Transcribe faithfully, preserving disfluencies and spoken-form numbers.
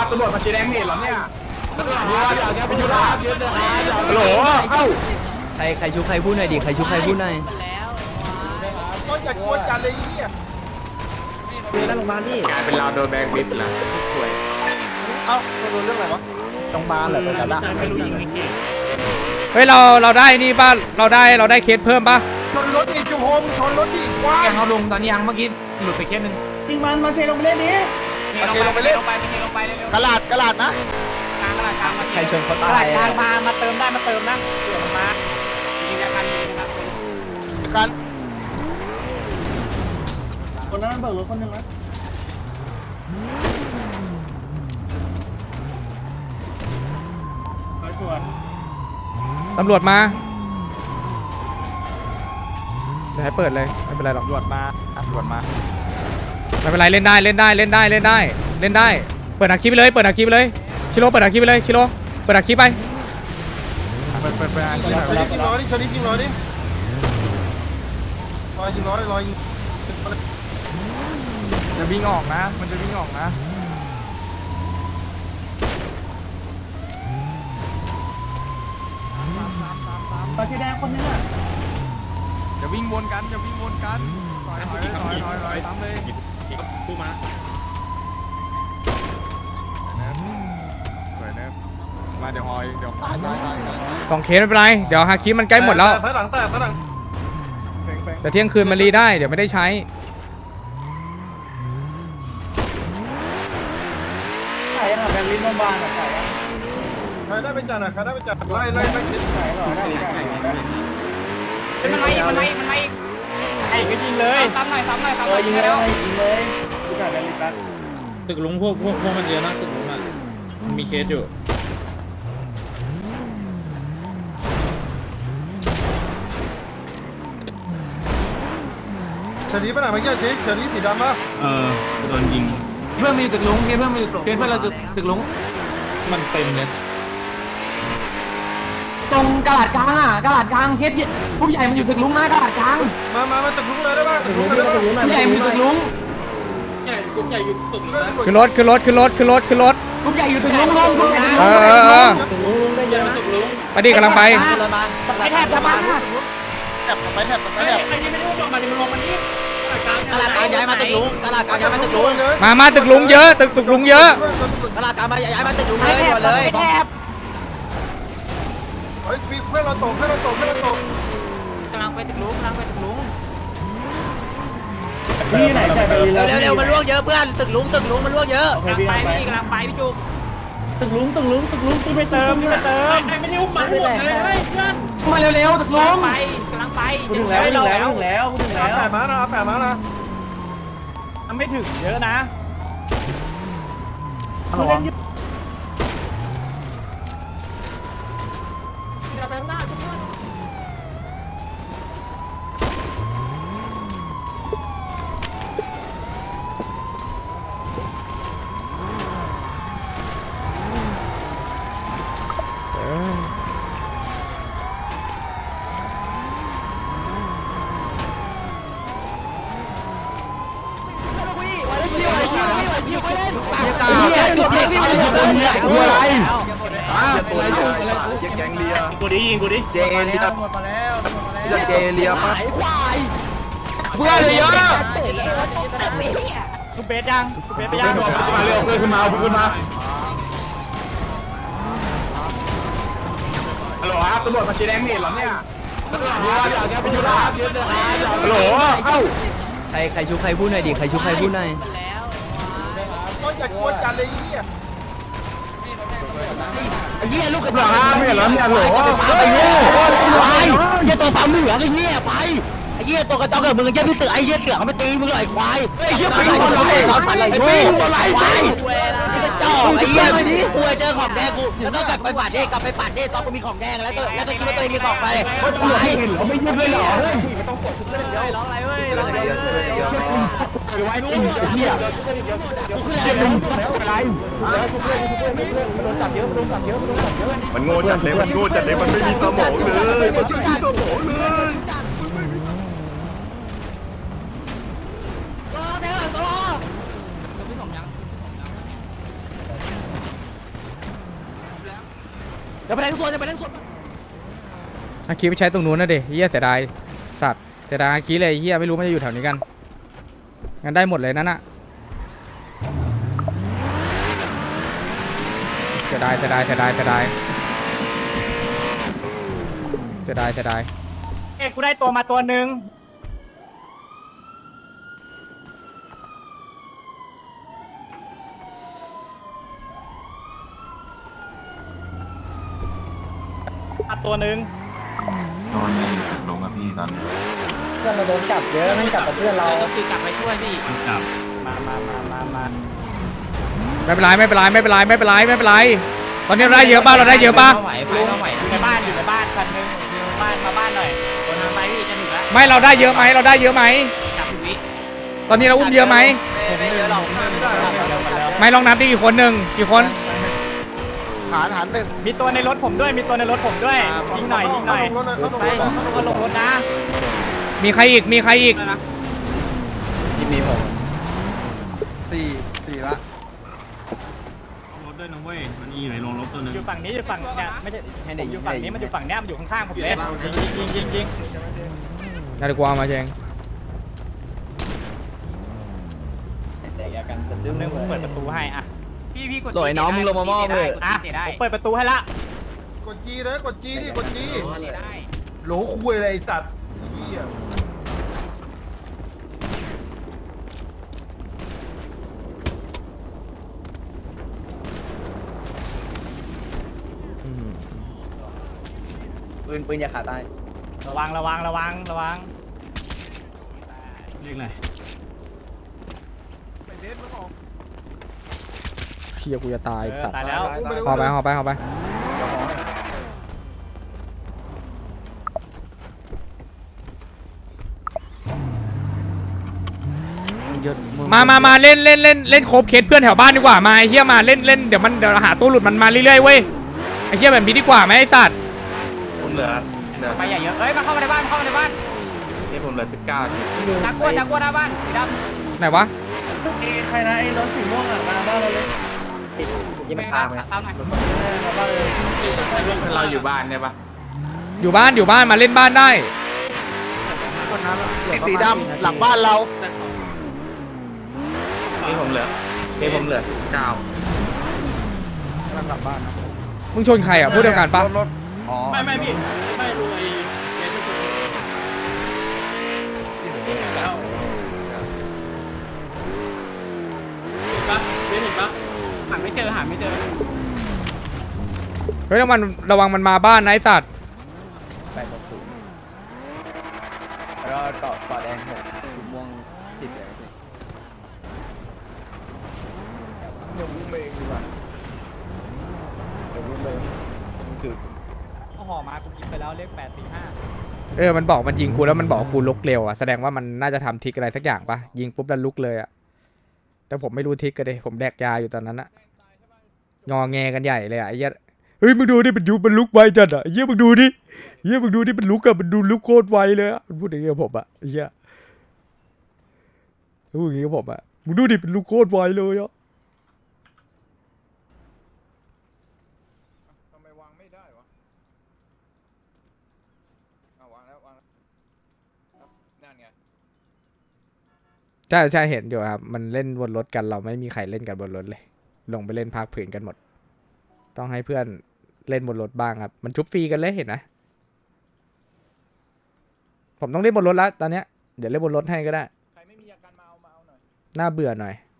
ตำรวจมาชี้แดงเห็นเหรอเนี่ยฮัลโหลเอ้าใครใครชุบใครพูดหน่อยดิใครชุบใครพูดหน่อยก็จัดกวนกันเลยเนี่ยนั่งโรงพยาบาลนี่กลายเป็นเราโดนแบงค์บิดละสวยเอ้าโดนเรื่องอะไรวะโรงพยาบาลเหรอตรงนั้นละเฮ้ยเราเราได้นี่ป่ะเราได้เราได้เคสเพิ่มป่ะชนรถดิจูโฮมชนรถดิว้ายังเขาลงตอนนี้ยังเมื่อกี้หลุดไปเคสหนึ่งจริงมันมาเชลงไปเล่นนี้มาเชลงไปเล่นลงไปลงไปกระลาดกระลาดนะกลางกระลาดกลางใครชนเขาตายกลางมามาเติมได้มาเติมนะเดี๋ยวมายิงกันยิงนะครับกันคนนั้นเบิกรถคนหนึ่งนะสวนตำรวจมาเดี๋ยวให้เปิดเลยไม่เป็นไรหรอกตำรวจมาตำรวจมาไม่เป็นไรเล่นได้เล่นได้เล่นได้เล่นได้เล่นได้เปิดอาคีไปเลยเปิดอาคีไปเลยชิโร่เปิดอาคีไปเลยชิโร่เปิดอาคีไปเปิดเปิดเปิดอาคีหน่อยยิงร้อยดิชนิดยิงร้อยดิรอยยิงร้อยรอยยิงจะวิ่งออกนะมันจะวิ่งออกนะปาชีแดงคนนึงอ่ะจะวิ่งวนกันจะวิ่งวนกันถอยถอยถอยถอยถอยซ้ำเลยพูดมาสวยนะมาเดี๋ยวหอยเดี๋ยวกองเคสไม่เป็นไรเดี๋ยวฮาคิมันใกล้หมดแล้วถอยหลังแตกถอยหลังแต่เที่ยงคืนมันรีได้เดี๋ยวไม่ได้ใช้ใช่ค่ะแบงค์ลิ้นบางๆอ่ะใช่ใครได้เป็นจ่าหน่อยใครได้เป็นจ่าไล่ไล่ไล่ติดใช่หรอได้มันไล่มันไล่มันไล่ไอ้ก็ยิงเลยซ้ำหน่อยซ้ำหน่อยซ้ำหน่อยยิงเลยยิงเลยกูจ่ายแบงค์ลิ้นแป๊บตึกลุงพวกพวกพวกมันเยอะนะตึกลุงอ่ะมันมีเคสอยู่เฉลี่ยไปไหนเมื่อกี้เฉลี่ยเฉลี่ยสีดำป่ะเออโดนยิงเพื่อนมีตึกลุงเพื่อนมีตึกเพื่อนเราตึกลุงมันเต็มเลยตรงกระดาษกลางอ่ะกระดาษกลางเคสผู้ใหญ่มันอยู่ตึกลุงนะกระดาษกลางมามามาตึกลุงเลยได้ป่ะตึกลุงเลยได้ป่ะผู้ใหญ่มีตึกลุงใหญ่กลุ่มใหญ่อยู่ตึกขึ้นรถขึ้นรถขึ้นรถขึ้นรถขึ้นรถผู้ใหญ่อยู่ตึกลุงลงเออเออเออตึกลุงลุงได้เยอะนะตึกลุงไปดิกำลังไปไปแทบจะมาแทบไปแทบไปแทบไอ้นี่ไม่รู้มาดิมันลงมานี่กระลากลางย้ายมาตึกลุงกระลากลางย้ายมาตึกลุงมามาตึกลุงเยอะตึกตึกลุงเยอะกระลากลางมาย้ายมาตึกลุงเลยก่อนเลยเฮ้ยเพื่อนเราตกเพื่อนเราตกเพื่อนเราตกกำลังไปตึกลุงกำลังไปตึกลุงนี่ไหนใช่ไปเร็วเร็วมันล่วงเยอะเพื่อนตึกลุงตึกลุงมันล่วงเยอะกำลังไปพี่กำลังไปพี่จุกตึกลุงตึกลุงตึกลุงตึกไปเติมไปเติมไม่ได้อุ้มมาหมดเลยเพื่อนมาเร็วๆตึกลุงไปกำลังไปถึงแล้วถึงแล้วถึงแล้วถึงแล้วแปะมานะแปะมานะไม่ถึงเยอะนะแกงเลียกูดิยิงกูดิเจเลียหมดมาแล้วหมดมาแล้วเจเลียป่ะเพื่อนเลยเยอะคุณเบสยังคุณเบสไปยังมาเร็วเพื่อนขึ้นมาเพื่อนขึ้นมาฮัลโหลครับตำรวจมาชี้แดงเห็นเหรอเนี่ยฮัลโหลเอ้าใครใครชุบใครพูดหน่อยดิใครชุบใครพูดหน่อยก็จัดกวนกันเลยเนี่ยไอ้เหี้ยลูกกระหลังไม่เห็นแล้วเนี่ยหรอไอ้เหี้ยไปไอ้ตัวสามเหลืองไอ้เหี้ยไปไอ้เหี้ยตัวกระจอกกับมึงไอ้เหี้ยพี่เสือไอ้เหี้ยเสือเขาไม่ตีมึงเลยควายไอ้เหี้ยปิงบอลไหลตอนฝันไหลโง่ไหลไปไอ้กระจอกไอ้เหี้ยไม่ดีกูเจอของแดงกูแล้วก็กลับไปฝันเด้กลับไปฝันเด้ตอนกูมีของแดงแล้วตัวแล้วก็คิดว่าตัวเองมีของไปควายเขาไม่ยืดเลยเหรอไม่ต้องกดเล่นเดียวร้องอะไรเว้ยร้องอะไรไว้กินเหี้ยเชี่ยมึงอะไรมันโง่จัดเลยมันโง่จัดเลยมันไม่มีสมองเลยมันไม่มีสมองเลยอย่าไปแทงส่วนอย่าไปแทงส่วนอาคีไปใช้ตรงนู้นนะดิเฮียเสียดายสัตว์เสียดายอาคีเลยเฮียไม่รู้มันจะอยู่แถวนี้กันงั้นได้หมดเลยนั่นน่ะเสียดายเสียดายเสียดายเสียดายเสียดายเสียดายเอ้กูได้ตัวมาตัวหนึ่งมาตัวหนึ่งโดนในลงกับพี่ตอนนี้เพื่อนเราโดนจับเยอะนั่งจับกับเพื่อนเราคือกลับไปช่วยพี่จับมามามามามาไม่เป็นไรไม่เป็นไรไม่เป็นไรไม่เป็นไรไม่เป็นไรตอนนี้เราได้เยอะป่ะเราได้เยอะป่ะไหวไปก็ไหวอยู่ในบ้านอยู่ในบ้านคันหนึงอยู่ในบ้านมาบ้านหน่อยคนทางไปพี่จะถึงแล้วไม่เราได้เยอะไหมเราได้เยอะไหมจับวิตอนนี้เราอุ้มเยอะไหมไม่เยอะหรอกไม่ได้ไม่ลองนับดิกี่คนหนึ่งกี่คนหารหารหนึ่งมีตัวในรถผมด้วยมีตัวในรถผมด้วยยิงหน่อยยิงหน่อยเขาลงรถเลยเขาลงไปรถเลยก็ลงรถนะมีใครอีกมีใครอีกที่มีผมสี่สี่ละรถด้วยนะเว้ยมันอีไหนลงรถตัวนึงอยู่ฝั่งนี้อยู่ฝั่งเนี่ยไม่ใช่ผมอยู่ฝั่งนี้มันอยู่ฝั่งเนี้ยมันอยู่ข้างๆผมเลยยิงยิงยิงยิงนาฬิกามาเจงเดี๋ยวนึงผมเปิดประตูให้อ่ะพี่พี่กดโหลยน้องมึงลงมามอบเลยอ่ะผมเปิดประตูให้ละกดจีเลยกดจีดิกดจีได้โหลคุยอะไรไอ้สัตว์เหี้ยปืนปืนอย่าขาดตายระวังระวังระวังระวังเรียกอะไรไปเดทมึงออกเฮียกูจะตายเออสัตว์ตายแล้วอุ้มไปเลยหอไปหอไปหอไป มามามาเล่นเล่นเล่นเล่นโคบเคสเพื่อนแถวบ้านดีกว่ามาไอ้เฮียมาเล่นเล่นเดี๋ยวมันเดี๋ยวหาตัวหลุดมันมาเรื่อยๆเว้ยไอ้เฮียแบบนี้ดีกว่าไหมไอ้สัตว์ผมเหลือเหลือไปอย่าเยอะเอ้ยมาเข้ามาในบ้านเข้ามาในบ้านนี่ผมเหลือสิบเก้าทีจักรวจักรวหน้าบ้านสีดำไหนวะใครนะไอ้รถสีม่วงอ่ะมาบ้านเราเลยยังไม่พาไปตามหน่อยมาบ้านเลยเราอยู่บ้านเนี่ยปะอยู่บ้านอยู่บ้านมาเล่นบ้านได้ไอ้สีดำหลังบ้านเรานี่ผมเหลือนี่ผมเหลือเก้ามึงชนใครอ่ะพูดเดียวกันปะรถอ๋อไม่ไม่พี่ไม่รู้ไอ้เกมที่คุณเห็นปะเห็นปะหาไม่เจอหาไม่เจอเฮ้ยระวังระวังมันมาบ้านนะไอ้สัตว์แปดหกศูนย์แล้วก็เกาะเกาะแดงหกสีม่วงสิบเลยเดี๋ยวอุ้มเองดีกว่าเดี๋ยวรุ่นเลยคือเอาห่อมากูกินไปแล้วเลขแปดสี่ห้าเออมันบอกมันยิงกูแล้วมันบอกกูลุกเร็วอ่ะแสดงว่ามันน่าจะทำทิกอะไรสักอย่างปะยิงปุ๊บแล้วลุกเลยอ่ะแต่ผมไม่รู้ทิกกันเลยผมแดกยาอยู่ตอนนั้นอะงอแงกันใหญ่เลยอ่ะไอ้เหี้ยเฮ้ยมึงดูดิมันยุมันลุกไวจัดอ่ะไอ้เหี้ยมึงดูดิเหี้ยมึงดูดิมันลุกอะมันดูลุกโคตรไวเลยอ่ะมันพูดอย่างเงี้ยกับผมอ่ะไอ้เหี้ยพูดอย่างเงี้ยกับผมอ่ะมึงดูดิมันลุกโคตรไวเลยอ่ะทำไมวางไม่ได้วะเอาวางแล้ววางแล้วนั่นไงใช่ใช่เห็นอยู่ครับมันเล่นบนรถกันเราไม่มีใครเล่นกันบนรถเลยลงไปเล่นภาคผืนกันหมดต้องให้เพื่อนเล่นบนรถบ้างครับมันชุบฟรีกันเลยเห็นไหมผมต้องเล่นบนรถแล้วตอนเนี้ยเดี๋ยวเล่นบนรถให้ก็ได้ใครไม่มีอาการมาเอามาเอาหน่อยน่าเบื่อหน่อย